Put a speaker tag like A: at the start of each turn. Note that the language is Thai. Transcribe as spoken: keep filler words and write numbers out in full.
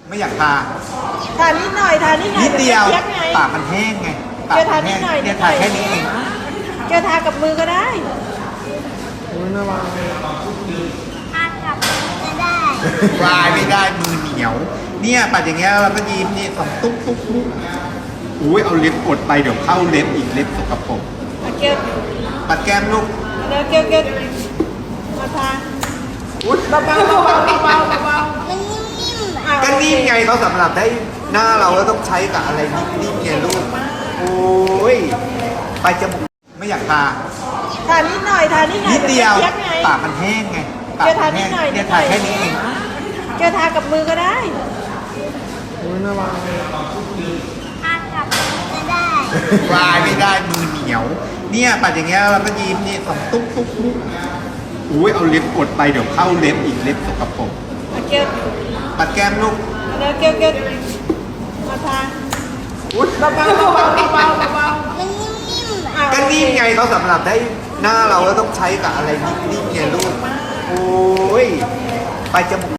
A: ไม่อยากทา
B: ทานิดหน่อยทานิดหน่อย
A: นิดเดียว
B: เจี๊ยบไง
A: ปากมันแห้งไงปาก
B: เกียวทา
A: มัน
B: นิ
A: แห้
B: ด
A: ง
B: หน่อย
A: เนี่ยทาแค่นี้เอง
B: เกียวทากับมือก็ได้
C: ทานกับจะได้
A: ปลายไม่ได้มือเหนียว เนี่ยปัดอย่างเงี้ยเราก็ยิ้มนี่สองตุ๊กตุ๊กตุ๊กอุ้ยเอาเล็บกดไปเดี๋ยวเข้าเล็บอีกเล็บสกปรก
B: เอาเกียว
A: ปัดแก้มลูก
B: เดี๋ยวเกียวเกียวมาทา
A: อุ้ย
B: เบาๆเบาๆเบาๆเบา
C: มันนิ่มๆอ่ะ
B: ๆอ่ะ
A: ก็นิ่มไงเขาสำหรับได้หน้าเราแล้วต้องใช้กับอะไรนิ่มๆไงลูกโอ้ยไปจมูกไม่อยากทา
B: ทานิดหน่อยทานิดหน่อย
A: นิดเดียว
B: จี๊ยบไง
A: ปากมันแห้งไงปาก
B: เกียวทา
A: มัน
B: นิ
A: แห้
B: ด
A: ง
B: หน่อย
A: เนี่ยทาแค่นี้เอง
B: เกียวทากับมือก็ได้
C: ทานกับจะได้
A: ปลายไม่ได้มือเหนียว เนี่ยปัดอย่างเงี้ยเราก็ยิ้มนี่สองตุ๊กตุ๊กตุ๊กอุ้ยเอาเล็บกดไปเดี๋ยวเข้าเล็บอีกเล็บสกปรก
B: เอาเกียว
A: ปัดแก้มลูก
B: เดี๋ยวเกียวเกียวมาทา
A: อุ้ย
B: เบาๆเบาๆเบาๆเบา
C: มันนิ่มๆอ่ะ
B: ๆอ่ะ
A: ก็นิ่มไงเขาสำหรับได้หน้าเราแล้วต้องใช้กับอะไรนิ่มๆไงลูกโอ้ยไปจมูก